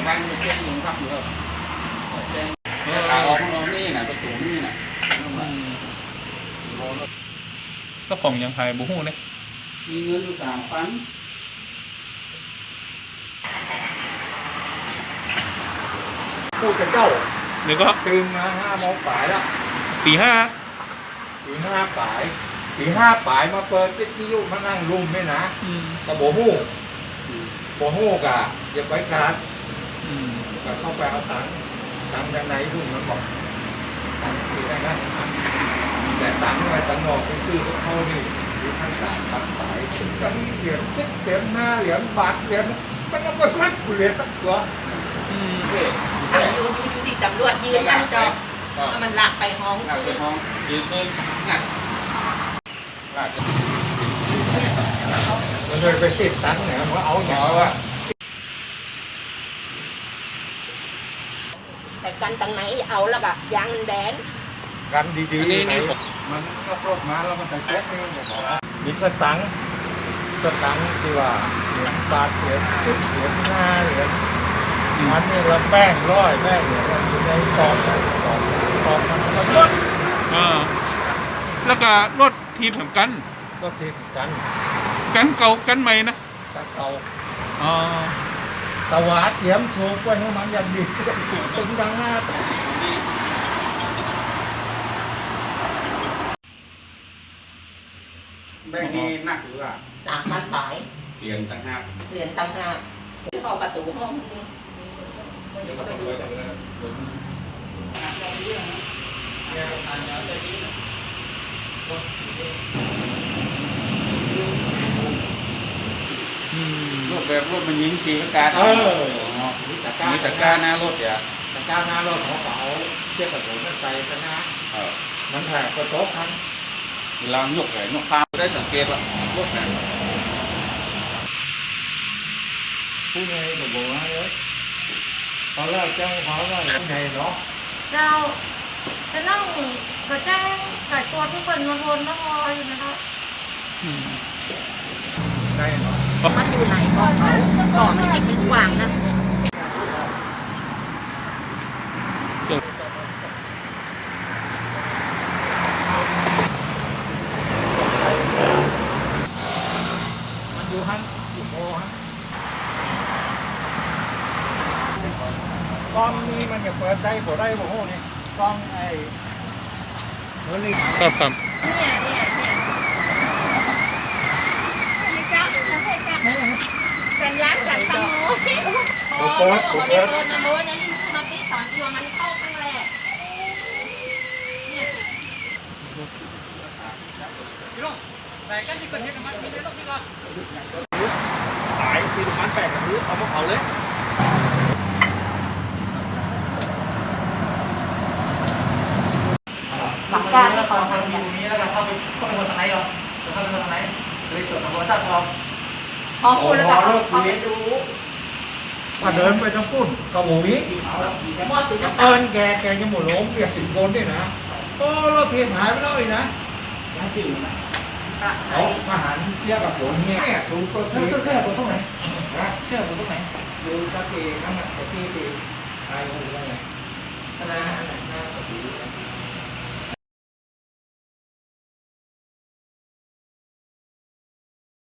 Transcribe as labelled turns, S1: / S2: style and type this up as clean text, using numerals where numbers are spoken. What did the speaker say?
S1: วันจะแจ้งลงพักอยู่ครับแจ้งขาออกของเรานี่น่ะประตูนี่น่ะ
S2: ก็ของยังไงบุหูเนี่ย
S1: มีเงินอยู่3,000
S3: พูดกับเจ้า
S2: เดี๋ยวก็
S3: ตื่นมา5 โมงป่ายแล้ว
S2: ตีห้า
S3: ป่ายมาเปิดวิทยุมานั่งรุมไม่นะกระโบหูกะอย่าไปการก็เข้าไปเอาตังจากไหนรุ่นมันบอกตังที่ได้นะแต่ตังอะไรตังนอกไปซื้อเขานี่อยู่ข้าง3 ตังสายถึงกันเหรียญ10 เหรียญ5 เหรียญบาทเหรียญมันก็ไม่มัดเหรียญสักตัว
S4: อยู่ดีตำรวจยืนกันจอมันหลักไปห้อง
S1: ยืนขึ้นงัด
S3: มันเลยไปติดตังเนี่ยมันเอาอย่างว่า
S4: แต่กันตังไหนเอาแล้วก็ยางมันแบน
S3: กันดีๆนี่มันก็ปลดมาแล้วมันใส่โต๊ะนี่บอกมีสตังค์ที่ว่าเหรียญบาทเหรียญ10 เหรียญ5 เหรียญมันนี่เราแป้งร้อยแป้งเนี่ยมันอยู่ในซองมันก็ลด
S2: แล้วก็รถทีมแถมกัน
S3: ก็ทีกัน
S2: เก่ากันใหม่นะ
S3: เก่าตะวัดเตรียมโชว์ไว้ให้มันอย่างดีตึงดังหน้า
S1: แบ่งนี้หนักหรือว่า
S4: 3,000 บาท
S1: เหรียญต่างหาก
S4: เข้าประตูห้องนี่
S1: รถแบบรถมันยิงทีก็การมีตะการหน้ารถอย่า
S3: ตะการหน้ารถของเขาเทียบกับผมมันใส่กันนะมันแหกกระโต๊ะทั้ง
S1: เวลาหยกเลยหยกข้าวได้สังเกตว่ารถไหน
S3: ผู้ใหญ่บอกว่าเลยตอนแรกแจ้งเขาว่าผู้ใหญ่เนาะ
S5: เจ้าจะต้องก็แจ้งสายตัวทุกคนมาวนมาพออยู่นะครับ
S3: ได้เนาะ
S4: มันอยู่ไหนก็เขามันติดกว้างนะ
S3: มันอยู่ฮั่นอยู่โมฮั่นกล้องนี้มันจะเปิดได้บ่ได้บ่โหนี่กล้องไอ้เฮลิ
S2: ครับ
S5: เนี่ยมีเจ้าสัญญาณจากตังโม
S3: เปิด
S5: นะโมนั่นนี่มาที่สอนที่ว่ามันเข้าตั้งแรก
S2: แต่กันที่เกิดเหตุมันมีได้รอบนี้ก่อน
S1: สายซีนมันแปดกับพื้นเอามาเผาเลย
S4: หลักการแล้วก็ทาง
S6: อยู่นี้แล้วก็เข้าไปคนทางไหนอ่ะเข้าไปคนทางไหนเลยตรวจสอบทราบ
S4: พอพูดแล้วก็เขาไปดู
S3: ถ้าเดินไปทั้งปุ่นกระหมูนี้แกยังหมดล้มเปียก10 คนด้วยนะก็เราเทียมหายไปแล้วอีกนะเอาทหารเทียบกับฝนเนี่ยสูงตัวเ
S6: ชื่อตรงไหนเชื่อตรงไหน
S3: ดูตะเกียงนั่นแหละตะเกียงตายคนละไง